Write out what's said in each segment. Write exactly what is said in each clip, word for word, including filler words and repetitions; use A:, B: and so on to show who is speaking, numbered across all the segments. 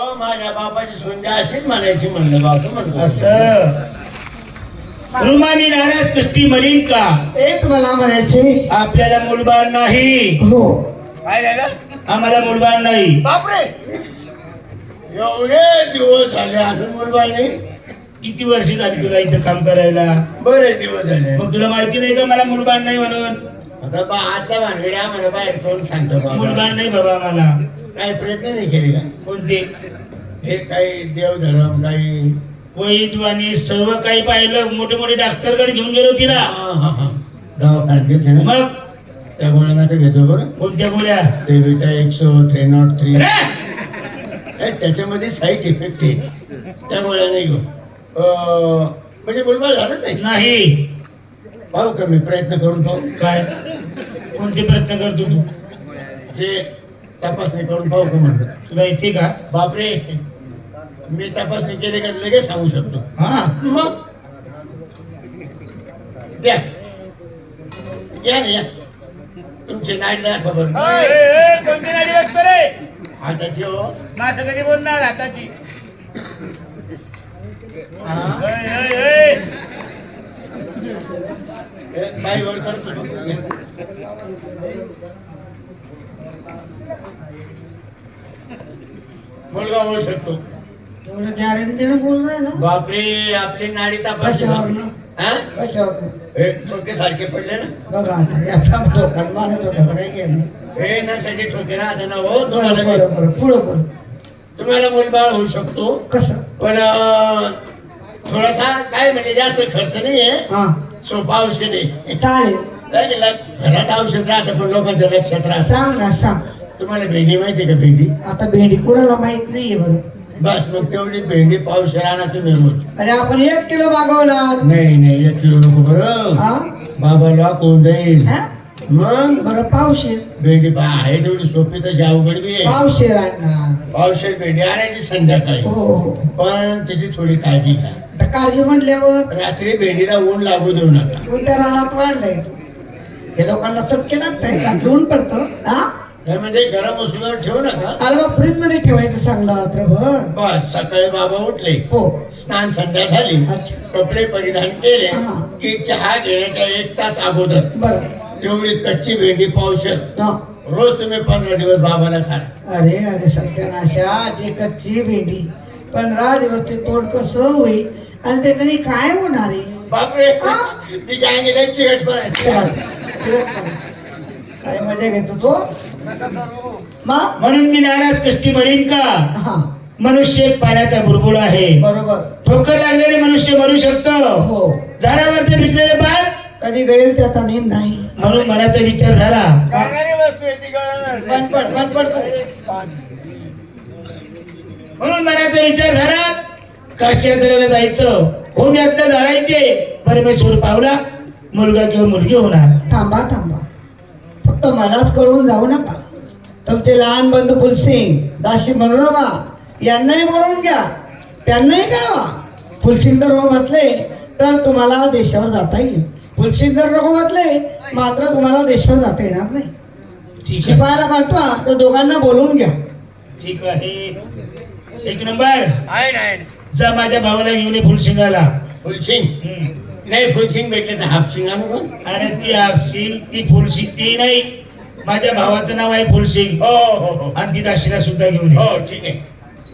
A: माझ्या बापाची सोंजा अशीच म्हणायची म्हणलं बाप म्हणतो
B: असं रुमानी नाराज कष्टी मलिन का
C: एक मला म्हणायचे
B: आपल्याला मुलबाळ नाही.
C: हो
A: काय झालं
B: आम्हाला मुलबाळ नाही.
A: बापरे एवढे दिवस झाले अजून मुलगा नाही.
B: किती वर्ष झाली तुला इथं काम करायला?
A: बरेच दिवस झाले.
B: मग तुला माहिती नाही का मला मुलबाळ नाही म्हणून?
A: आता बा आजचा भानगड्या मला बाहेर कोण सांगतो बाबा
B: मुलबाळ नाही बाबा आम्हाला.
A: काही प्रयत्न नाही केले का?
B: कोणते?
A: हे काही देवधर्म काही
B: वैद्वानी सर्व काही पाहिलं. मोठे मोठे डॉक्टर कडे घेऊन गेलो तिला.
A: दवाखान्यात घेतले ना
B: मग
A: त्या गोळ्या नका घेतो बरं.
B: कोणत्या गोळ्या?
A: ते विटा एकशे थ्री नॉट थ्री
B: अरे!
A: त्याच्यामध्ये साईड इफेक्ट आहे त्या गोळ्या नाही घेऊ. म्हणजे मुलगा झालं नाही
B: नाही.
A: पाहू का मी प्रयत्न करून पाहू.
B: काय कोणते प्रयत्न करतो तू?
A: ते तपासणी करून पाहू का म्हणतो.
B: तुला येते का?
A: बापरे मी तपासणी केली का लगेच सांगू शकतो.
B: हा
A: मग द्या या ना या तुमची नाईट द्या खबर.
B: कोणती नाडी बघतो रे?
A: हाताची हो
B: माझं कधी बोलणार हाताची?
A: हा.
B: ओय, ओय, ओय.
A: हे बाई वर करतो. मुलगा होऊ शकतो.
C: एवढं गॅरंटीने बोलणार ना?
A: बापरे आपली नाडी तपासली.
C: कशावर ना?
A: हा
C: कशावर?
A: हे ठोके सारखे पडले ना.
C: बघा आता याचा धोका माझा धोका काही गेला
A: हे नसाचे ठोके राहते ना हो तुम्हाला
C: बरं
A: नाही.
C: बरं पुढं पुढं
A: तुम्हाला मुलबाळ होऊ शकतो
C: कसं?
A: पण अं, थोडासा काय म्हणजे जास्त खर्च नाहीये.
C: हा
A: सोपा औषध आहे.
C: चालेल
A: काय केलं? घरात औषध राहतं पण लोकांच्या लक्षात राहत.
C: सांग ना सांग.
A: तुम्हाला भेंडी माहिती का? भेंडी
C: आता भेंडी कुणाला माहित नाहीये बरं.
A: बस मग तेवढी भेंडी पावशेर आणा तुम्ही रोज.
C: अरे आपण एक किलो मागवणार.
A: नाही नाही एक किलो नको बरं.
C: हा
A: बाबाला कोण जाईल
C: हा?
A: मग
C: बरं पावशेर.
A: भेंडी पा आहे तेवढी सोपी तशी अवघड बी आहे.
C: पावशेर आणणार.
A: पावशेर भेंडी आणायची संध्याकाळी.
C: हो हो
A: पण त्याची थोडी काळजी घ्या.
C: आता काळजी म्हटल्यावर
A: रात्री भेंडीला ऊन लागू देऊ नका.
C: कोणत्या रानात वाढलंय हे लोकांना चटके लागताय का? ऊन पडतं हा?
A: नाही म्हणजे गरम वस्तूवर ठेवू नका.
C: अरे मग फ्रीज मध्ये ठेवायचं सांगणार रात्रभर.
A: बस सकाळी बाबा उठले
C: हो
A: स्नान संध्या झाली
C: अच्छा.
A: कपडे परिधान केले
C: हा.
A: की चहा घेण्याच्या एक तास अगोदर
C: बरं
A: तेवढी कच्ची भेंडी पावशेर
C: हा.
A: रोज तुम्ही पंधरा दिवस बाबाला सांगा.
C: अरे अरे सत्यानाशा ते कच्ची भेंडी पंधरा दिवस ते तोड कसं होईल आणि ते तरी काय होणार आहे?
A: बापरे
C: हा?
A: तिच्या अंगीला चिकट पण
C: चल, फिरत चल. काय मजा घेतो तो मग
B: म्हणून मी नाराज कष्टी मरीन का?
C: हा
B: मनुष्य एक पाण्याचा बुडबुड आहे.
C: बरोबर
B: ठोकर लागलेले मनुष्य मरू शकतो.
C: हो
B: झाडावरती पिकलेले पान
C: कधी गळेल त्याचा नेम नाही.
B: म्हणून मनाचा विचार झाला.
A: वस्तू आहे ती गळणार नाही.
C: पटपट पटपट
B: म्हणून मनाचा विचार झाला काश्यात्रेला जायचं. होम यज्ञ जाळायचे. परमेश्वर पावला मुलगा किंवा मुलगी होणार.
C: थांबा थांबा फक्त मलाच कळवून जाऊ नका. तुमचे लहान बंधू फुलसिंग दाशी मनोरमा यांनाही बोलवून घ्या. त्यांनाही कळवा. फुलसिंग जर हो म्हटले तर तुम्हाला देशावर जाता येईल. फुलसिंग जर नको म्हटले मात्र तुम्हाला देशावर जाता येणार नाही.
B: ठीक आहे
C: शिपायाला पाठवा तर दोघांना बोलवून घ्या.
B: ठीक आहे. एक नंबर
A: आहे नाही
B: जा माझ्या भावाला घेऊन ये फुलसिंगाला.
A: फुलसिंग
B: हम्म.
A: नाही फुलसिंग भेटले तर हाफसिंग आणू का?
B: अरे ती आपसिंग ती फुलसिंग ती नाही. माझ्या भावाचं नाव आहे फुलसिंग.
A: हो हो हो
B: आणि ती दाशीला सुद्धा घेऊन ये.
A: हो ठीक आहे.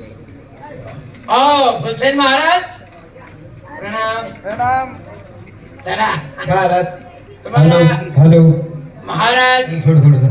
A: हो फुलसेन महाराज प्रणाम
C: प्रणाम.
A: चला
C: काय आलात?
A: तुम्हाला
C: हॅलो
A: महाराज
C: थोडं थोडं